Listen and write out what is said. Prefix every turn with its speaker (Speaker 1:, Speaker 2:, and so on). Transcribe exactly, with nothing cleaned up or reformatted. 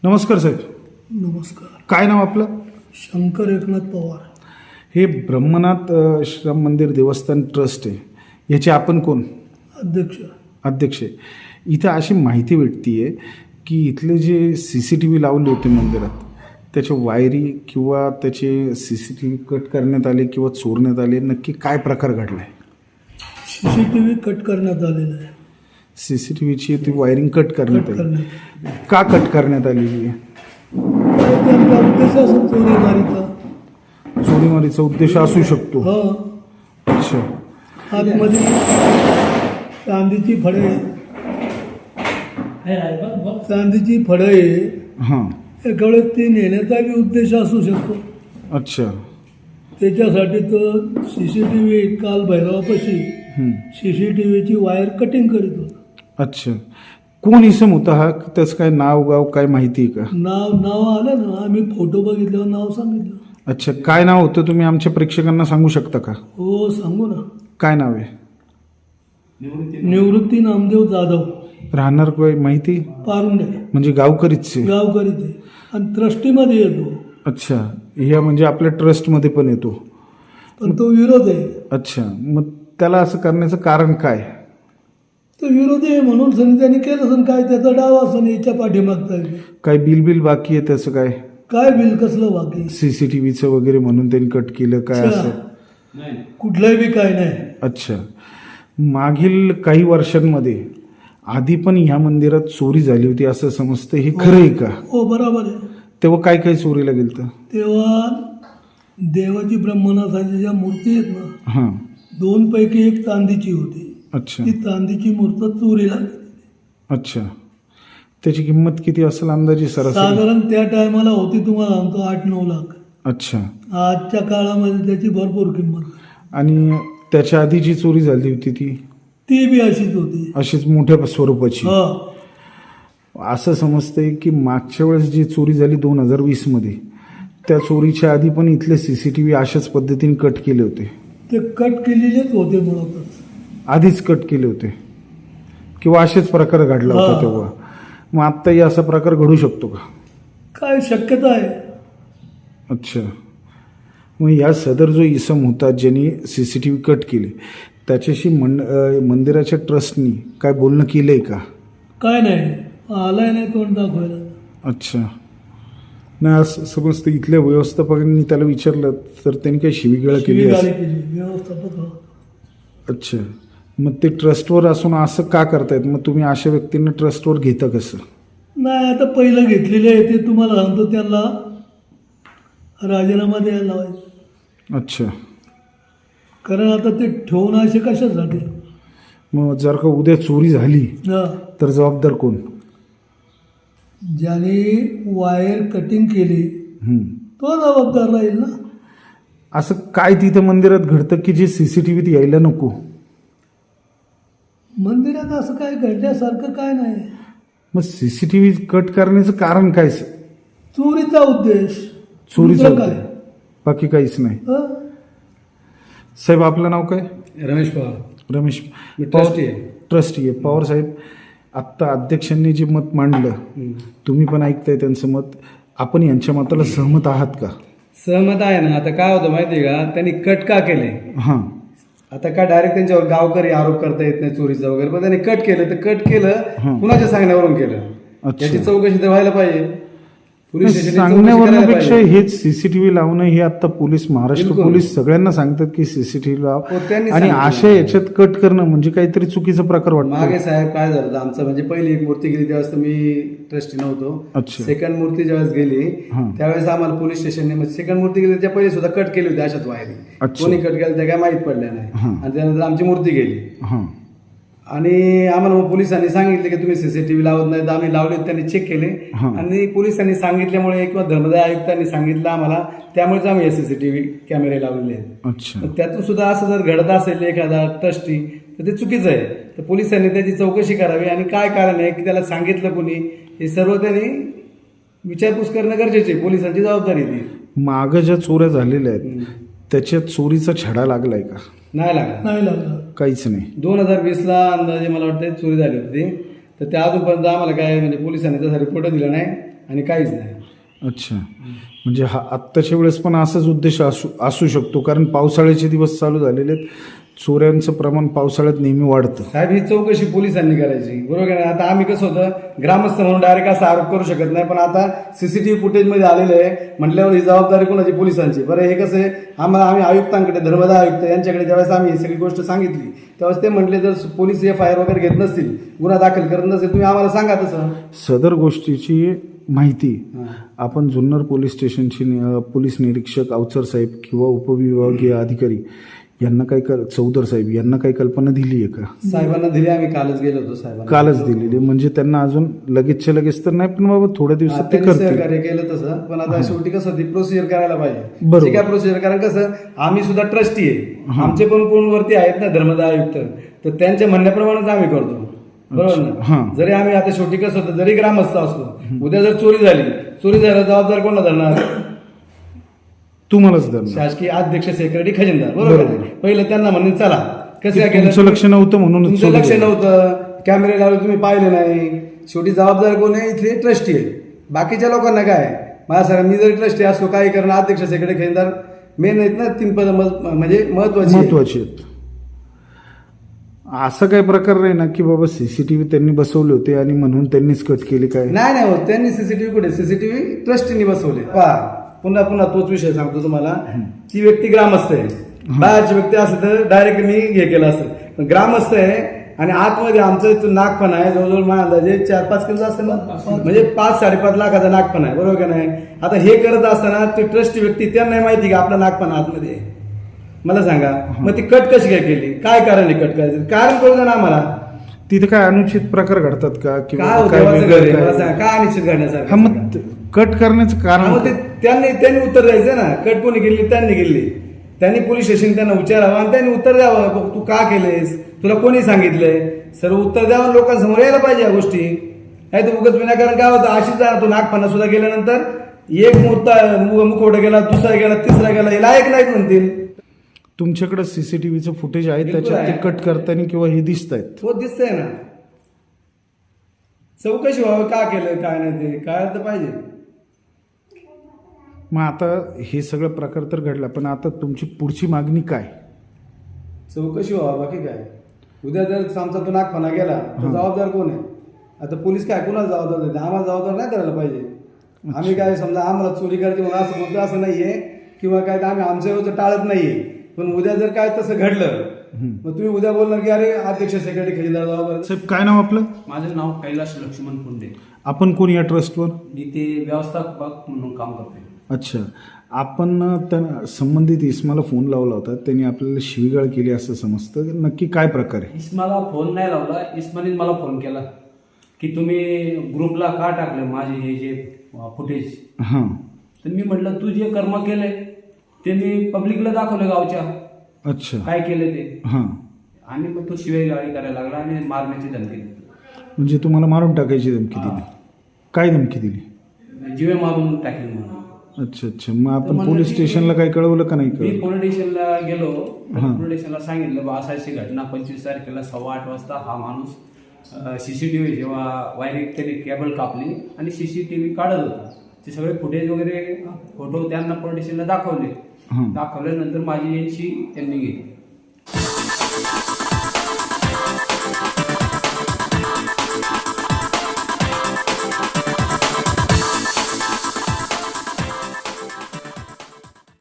Speaker 1: नमस्कार साहेब.
Speaker 2: नमस्कार.
Speaker 1: काय नाव आपलं?
Speaker 2: शंकर एकनाथ पवार.
Speaker 1: हे ब्रह्मनाथ अ, श्राम मंदिर देवस्थान ट्रस्ट आहे, याचे आपण कोण?
Speaker 2: अध्यक्ष.
Speaker 1: अध्यक्ष आहे. इथं अशी माहिती भेटती आहे की इथले जे सी सी टी व्ही लावले होते मंदिरात, त्याच्या वायरी किंवा त्याचे C C T V cut करण्यात आले किंवा चोरण्यात आले, नक्की काय प्रकार घडला आहे?
Speaker 2: C C T V cut करण्यात आलेला आहे.
Speaker 1: सी सी टी व्हीची ती वायरिंग कट करण्यात
Speaker 2: कट
Speaker 1: आली.
Speaker 2: करण्यात
Speaker 1: का कट करण्यात आलेली आहे?
Speaker 2: त्यांचा उद्देश असं चोरी मारीचा.
Speaker 1: चोरीमारीचा उद्देश असू शकतो.
Speaker 2: हा.
Speaker 1: अच्छा.
Speaker 2: आतमध्ये चांदीची फळे चांदीची फळे
Speaker 1: हां.
Speaker 2: एकावेळे ती नेण्याचाही उद्देश असू शकतो.
Speaker 1: अच्छा.
Speaker 2: त्याच्यासाठी तो सी सी टी व्ही काल भैरवापाशी
Speaker 1: हं.
Speaker 2: सी सी टी व्हीची वायर कटिंग करीत होता.
Speaker 1: अच्छा. कोण इसम होता हा? त्याचं काय नाव गाव काय माहिती आहे का?
Speaker 2: नाव नाव आलं ना, आम्ही फोटो बघितल्यावर नाव सांगितलं.
Speaker 1: अच्छा. काय नाव होतं, तुम्ही आमच्या प्रेक्षकांना सांगू शकता का?
Speaker 2: हो सांगू ना.
Speaker 1: काय नाव आहे?
Speaker 2: निवृत्ती नामदेव जाधव,
Speaker 1: राहणार काय माहिती?
Speaker 2: पारुंडे,
Speaker 1: म्हणजे गावकरीच आहे.
Speaker 2: गावकरी ते, आणि ट्रस्टीमध्ये येतो.
Speaker 1: अच्छा. ह्या म्हणजे आपल्या ट्रस्टमध्ये पण येतो.
Speaker 2: पण तो विरोध आहे.
Speaker 1: अच्छा. मग त्याला असं करण्याचं कारण काय?
Speaker 2: तो विरोधी आहे म्हणून सनी त्यांनी केलं असेल, काय त्याचा डाव असं याच्या पाठीमागचा आहे.
Speaker 1: काय बिल बिल बाकी आहे त्याचं? काय
Speaker 2: काय बिल कसलं बाकी?
Speaker 1: सीसीटीव्हीचं वगैरे म्हणून त्यांनी कट केलं काय असं?
Speaker 2: कुठलंही बी काय नाही.
Speaker 1: अच्छा. मागील काही वर्षांमध्ये आधी पण ह्या मंदिरात चोरी झाली होती असं समजतं, हे खरं आहे का?
Speaker 2: हो बरोबर आहे.
Speaker 1: तेव्हा काय काय चोरीला गेलं?
Speaker 2: तेव्हा देवाची ब्रह्मनाथाची ज्या मूर्ती आहेत ना,
Speaker 1: हां.
Speaker 2: दोन पैकी एक चांदीची होती.
Speaker 1: अच्छा.
Speaker 2: ती चांदीची मूर्त चोरीला गेली.
Speaker 1: अच्छा. त्याची किंमत किती असेल अंदाजे सरासरी?
Speaker 2: साधारण त्या टायमाला होती, तुम्हाला सांगतो, आठ नऊ लाख.
Speaker 1: अच्छा.
Speaker 2: आजच्या काळामध्ये त्याची भरपूर किंमत.
Speaker 1: आणि त्याच्या आधी जी चोरी झाली होती ती
Speaker 2: ती बी अशीच होती,
Speaker 1: अशीच मोठ्या स्वरूपाची.
Speaker 2: हा.
Speaker 1: असं समजतंय की मागच्या वेळेस जी चोरी झाली दोन हजार वीस मध्ये, त्या चोरीच्या आधी पण इथले सीसीटीव्ही अशाच पद्धतीने कट केले होते.
Speaker 2: ते कट केलेलेच होते मुळातच.
Speaker 1: आधीच कट केले होते किंवा असेच प्रकार घडला होता
Speaker 2: हा.
Speaker 1: तेव्हा. मग आत्ताही असा प्रकार घडू शकतो का?
Speaker 2: काय शक्यता आहे?
Speaker 1: अच्छा. मग या सदर जो इसम होता ज्यांनी C C T V cut केले, त्याच्याशी मंड अं, मंदिराच्या ट्रस्टनी काय बोलणं केलंय का?
Speaker 2: काय नाही, आलाय नाही तोंड दाखवायला.
Speaker 1: अच्छा. नाही असं समजतं इथल्या व्यवस्थापकांनी त्याला विचारलं तर त्यांनी काही शिवीगाळ केली
Speaker 2: शिवीगाळी
Speaker 1: असेल.
Speaker 2: केली व्यवस्थापक. हो.
Speaker 1: अच्छा. मग ते ट्रस्टवर असून असं का करतायत? मग तुम्ही अशा व्यक्तींना ट्रस्टवर घेता कसं?
Speaker 2: नाही, आता पहिलं घेतलेले आहे ते तुम्हाला सांगतो, त्यांना राजीनामा द्यायला लावायचा.
Speaker 1: अच्छा.
Speaker 2: कारण आता ते ठेवून असे कशासाठी?
Speaker 1: मग जर का उद्या चोरी झाली
Speaker 2: हा.
Speaker 1: तर जबाबदार कोण?
Speaker 2: ज्याने वायर कटिंग केली
Speaker 1: हं.
Speaker 2: तो जबाबदार राहील ना.
Speaker 1: असं काय तिथं मंदिरात घडतं की जे सीसीटीव्हीत यायला नको?
Speaker 2: मंदिरात असं काय घडल्यासारखं काय नाही.
Speaker 1: मग सीसीटीव्ही कट करण्याचं कारण काय?
Speaker 2: चोरीचा उद्देश.
Speaker 1: चोरीचा
Speaker 2: दुसरं
Speaker 1: उद्देश. बाकी काहीच नाही.
Speaker 2: हं?
Speaker 1: साहेब आपलं नाव काय?
Speaker 3: रमेश पवार.
Speaker 1: रमेश
Speaker 3: मी ट्रस्टी आहे.
Speaker 1: ट्रस्टी आहे. पवार साहेब, आत्ता अध्यक्षांनी जे मत मांडलं, तुम्ही पण ऐकताय त्यांचं मत, आपण यांच्या मताला सहमत आहात का?
Speaker 3: सहमत आहे ना. आता काय होतं माहिती आहे का, त्यांनी कट का केले?
Speaker 1: हां.
Speaker 3: आता काय डायरेक्ट त्यांच्यावर गावकरी आरोप करता येत नाही चोरीचा वगैरे, पण त्यांनी कट केलं तर कट केलं
Speaker 1: हां.
Speaker 3: कुणाच्या सांगण्यावरून केलं?
Speaker 1: अच्छा.
Speaker 3: याची चौकशी तर व्हायला पाहिजे. पोलीस स्टेशनची चौकशी करायला
Speaker 1: सांगण्यावरपेक्षा
Speaker 3: पाहिजे.
Speaker 1: हेच सीसीटीव्ही लावणं हे आता पोलीस, महाराष्ट्र
Speaker 3: बिलकुल.
Speaker 1: पोलीस सगळ्यांना सांगतात की सीसीटीव्ही लाव,
Speaker 3: हो, त्यांनी
Speaker 1: आणि
Speaker 3: सांगितलं.
Speaker 1: अशा याच्यात कट करणं म्हणजे काहीतरी चुकीचा प्रकार
Speaker 3: मागे
Speaker 1: वाटतो.
Speaker 3: साहेब काय झालं होतं, आमचं म्हणजे पहिली एक मूर्ती गेली त्यावेळेस तर मी ट्रस्टी नव्हतो.
Speaker 1: अच्छा.
Speaker 3: सेकंड मूर्ती ज्यावेळेस गेली
Speaker 1: हां.
Speaker 3: त्यावेळेस आम्हाला पोलीस स्टेशनने सेकंड मूर्ती गेली त्या पहिले सुद्धा कट केली होती अशाच वायरी.
Speaker 1: अच्छा.
Speaker 3: कोणी कट केलं त्या काय माहीत पडल्या नाही.
Speaker 1: हां.
Speaker 3: आणि त्यानंतर आमची मूर्ती गेली
Speaker 1: हां.
Speaker 3: आणि आम्हाला मग पोलिसांनी सांगितले की तुम्ही सीसीटीव्ही लावत नाही, तर आम्ही लावले, त्यांनी चेक केले.
Speaker 1: हां.
Speaker 3: आणि पोलिसांनी सांगितल्यामुळे किंवा धर्मदाय आयुक्तांनी सांगितलं आम्हाला, त्यामुळेच आम्ही सीसीटीव्ही कॅमेरे लावलेले आहेत.
Speaker 1: अच्छा.
Speaker 3: पण त्यातून सुद्धा असं जर घडत असेल एखादा ट्रस्टी तर ते चुकीचं आहे. तर पोलिसांनी त्याची चौकशी करावी आणि काय कारण आहे की त्याला सांगितलं कोणी, हे सर्व त्यांनी विचारपूस करणं गरजेचे आहे. पोलिसांची जबाबदारी ती.
Speaker 1: मागं ज्या चोऱ्या झालेल्या आहेत त्याच्यात चोरीचा छडा लागलाय का?
Speaker 3: नाही लागला.
Speaker 2: नाही लागला.
Speaker 1: काहीच नाही.
Speaker 3: दोन हजार वीसला अंदाजे मला वाटतं चोरी झाली होती, तर त्या अजूनपर्यंत आम्हाला काय म्हणजे पोलिसांनी त्याचा रिपोर्ट दिला नाही. आणि काहीच नाही.
Speaker 1: अच्छा, म्हणजे हा आत्ताच्या वेळेस पण असाच उद्देश असू असू शकतो, कारण पावसाळ्याचे दिवस चालू झालेले आहेत, चोऱ्यांचं प्रमाण पावसाळ्यात नेहमी वाढतं.
Speaker 3: साहेब ही चौकशी पोलिसांनी करायची, बरोबर आहे ना. आता आम्ही कसं होतं, ग्रामस्थ म्हणून डायरेक्ट असा आरोप करू शकत नाही, पण आता सीसीटीव्ही फुटेजमध्ये आलेलं आहे म्हटल्यावर ही जबाबदारी कोणाची? पोलिसांची. बरं हे कसं आहे, आम्हाला आम्ही आयुक्तांकडे, धर्मदाय आयुक्त यांच्याकडे ज्यावेळेस आम्ही ही सगळी गोष्ट सांगितली त्यावेळेस ते म्हटले जर पोलीस एफ आय आर वगैरे घेत नसतील, गुन्हा दाखल करत नसेल, तुम्ही आम्हाला सांगा तसं.
Speaker 1: सदर गोष्टीची माहिती
Speaker 3: हां.
Speaker 1: आपण जुन्नर पोलीस स्टेशनचे नि- पोलीस निरीक्षक अवचर साहेब किंवा उपविभागीय अधिकारी यांना काही कल चौधर साहेब यांना काही कल्पना दिली आहे का?
Speaker 3: साहेबांना दिली, आम्ही कालच गेलो होतो साहेबांना.
Speaker 1: कालच दिलेली, म्हणजे त्यांना अजून लगेचच्या लगेच तर नाही, पण बाबा थोड्या
Speaker 3: हा,
Speaker 1: दिवसात ते
Speaker 3: त्यांनी
Speaker 1: करतील.
Speaker 3: सहकार्य केलं तसं, पण आता शेवटी कसं ती प्रोसिजर करायला पाहिजे.
Speaker 1: बरोबर.
Speaker 3: जे काय प्रोसिजर, कारण कसं आम्ही सुद्धा ट्रस्टी आहे, आमचे पण कोण वरती आहेत ना धर्मदाय आयुक्त, तर त्यांच्या म्हणण्याप्रमाणेच आम्ही करतो, बरोबर ना.
Speaker 1: हां.
Speaker 3: जरी आम्ही आता शेवटी कसं होतं, जरी ग्रामस्थ असलो, उद्या जर चोरी झाली, चोरी झाल्यावर जबाबदार कोणला धरणार?
Speaker 1: तुम्हालाच धरणार.
Speaker 3: शासकीय अध्यक्ष, सेक्रेटरी, खजिनदार, बरोबर
Speaker 1: बरोबर.
Speaker 3: आहे. पहिलं त्यांना म्हणून चला कसं काय केलं,
Speaker 1: तुमचं लक्ष नव्हतं म्हणून
Speaker 3: तुमचं लक्ष नव्हतं, कॅमेरे लावले तुम्ही पाहिले नाही. शेवटी जबाबदार कोण आहे? इथले ट्रस्टी आहे. बाकीच्या लोकांना काय? मला सांगा, मी जरी ट्रस्टी असतो काही करणार, अध्यक्ष, सेक्रेटरी, खजिनदार मेन आहेत ना, तीन पद म्हणजे महत्वाची आहेत.
Speaker 1: महत्वाचे आहेत. असं काही प्रकार नाही ना की बाबा सीसीटीव्ही त्यांनी बसवले होते आणि म्हणून त्यांनीच कट केली काय?
Speaker 3: नाही नाही हो, त्यांनी सीसीटीव्ही कुठे? सीसीटीव्ही ट्रस्टीने बसवले. पहा, पुन्हा पुन्हा तोच विषय सांगतो तुम्हाला. ती व्यक्ती ग्रामस्थ आहे, बाहेरची व्यक्ती असते तर डायरेक्ट मी हे केलं असतं, पण ग्रामस्थ आहे आणि आतमध्ये आमचं इथं नागपण आहे, जवळजवळ माझ्या अंदाजे चार पाच किलो असेल ना, म्हणजे पाच साडेपाच लाखाचा नागपण आहे, बरोबर का नाही. आता हे करत असताना ते ट्रस्टी व्यक्ती त्यांना नाही माहिती का आपला नागपण आतमध्ये आहे? मला सांगा, मग ती कट कशी काय केली? काय कारण आहे कट करायचं? कारण कळू द्या ना आम्हाला.
Speaker 1: तिथे काय अनुचित प्रकार घडतात का किंवा
Speaker 3: काय होतं
Speaker 1: काय
Speaker 3: देवाचं घर आहे?
Speaker 1: वेगळं
Speaker 3: मला
Speaker 1: काय?
Speaker 3: सांगा, काय अनिश्चित
Speaker 1: हा,
Speaker 3: करण्यासारखं?
Speaker 1: मग ते कट करण्याचं कारण
Speaker 3: मग ते
Speaker 1: काय?
Speaker 3: त्यांनी त्यांनी उत्तर द्यायचं ना. कट कोणी केली? त्यांनी केली. त्यांनी पोलीस स्टेशन त्यांना विचारावं आणि त्यांनी उत्तर द्यावं, बघ, तू का केलेस, तुला कोणी सांगितलंय, सर्व उत्तर द्यावं, लोकांसमोर यायला पाहिजे या गोष्टी. नाही तर उगाच विनाकारण काय होतं, अशीच जाणार तो नागपणा सुद्धा गेल्यानंतर एक मुहूर्त मुखवटा गेला, दुसरा गेला, तिसरा गेला, हे लायक नाहीत म्हणतील.
Speaker 1: तुमच्याकडे सीसीटीव्हीचं फुटेज आहे,
Speaker 3: बिलकुल
Speaker 1: त्याच्यात ते
Speaker 3: आहे.
Speaker 1: कट करताना किंवा हे दिसत आहेत.
Speaker 3: हो, दिसतंय ना. चौकशी व्हावं, का केलं काय नाही ते काय तर पाहिजे.
Speaker 1: मग आता हे सगळं प्रकार तर घडला, पण आता तुमची पुढची मागणी काय?
Speaker 3: चौकशी व्हावं, बाकी काय. उद्या जर आमचा तो नागपणा गेला तर जबाबदार कोण आहे? आता पोलीस काय कुणाला जबाबदार देते? आम्हाला जबाबदार नाही करायला पाहिजे. आम्ही काय समजा आम्हाला चोरी करायची म्हणून असं बोलतो असं नाहीये, किंवा काय तर आम्ही आमच्या वेळेचं टाळत नाहीये, पण उद्या जर काय तसं घडलं मग तुम्ही उद्या बोलणार की अरे अध्यक्ष, सेक्रेटरी, खजिनदार जबाबदार.
Speaker 1: साहेब, काय नाव आपलं?
Speaker 4: माझं नाव कैलास लक्ष्मण पुंडे.
Speaker 1: आपण कोण या ट्रस्टवर?
Speaker 4: मी ते व्यवस्थापक म्हणून काम करते.
Speaker 1: अच्छा, आपण त्या संबंधित इस्माला फोन लावला होता, त्यांनी आपल्याला शिवीगाळ केली असं समजतं, नक्की काय प्रकार आहे?
Speaker 4: इस्माला फोन नाही लावला, इस्माने मला फोन केला की तुम्ही ग्रुपला का टाकले माझे हे जे फुटेज.
Speaker 1: हां.
Speaker 4: तर मी म्हटलं तू जे कर्म केले ते मी पब्लिकला दाखवले, गावच्या
Speaker 1: अच्छा.
Speaker 4: काय केले ते.
Speaker 1: हां.
Speaker 4: आणि मग तो शिवायगाळी करायला लागला आणि मारण्याची धमकी दिली.
Speaker 1: म्हणजे तुम्हाला मारून टाकायची धमकी दिली? काय धमकी दिली?
Speaker 4: जीवे मारून टाकेल म्हणून.
Speaker 1: अच्छा अच्छा, मग आपण
Speaker 4: म्हणलं
Speaker 1: पोलीस
Speaker 4: की-
Speaker 1: स्टेशनला काही कळवलं का नाही
Speaker 4: मी
Speaker 1: कळवलं?
Speaker 4: पोलीस स्टेशनला गेलो,
Speaker 1: हां.
Speaker 4: पोलीस स्टेशनला सांगितलं बा अशी घटना पंचवीस तारखेला सव्वा आठ वाजता हा माणूस सीसीटीव्ही जेव्हा वायरिंग त्याने केबल कापली आणि सीसीटीव्ही काढत होता, ते सगळे फुटेज वगैरे फोटो त्यांना पोलीस स्टेशनला दाखवले.
Speaker 1: हां.
Speaker 4: दाखवल्यानंतर माझी यांची त्यांनी घेतली.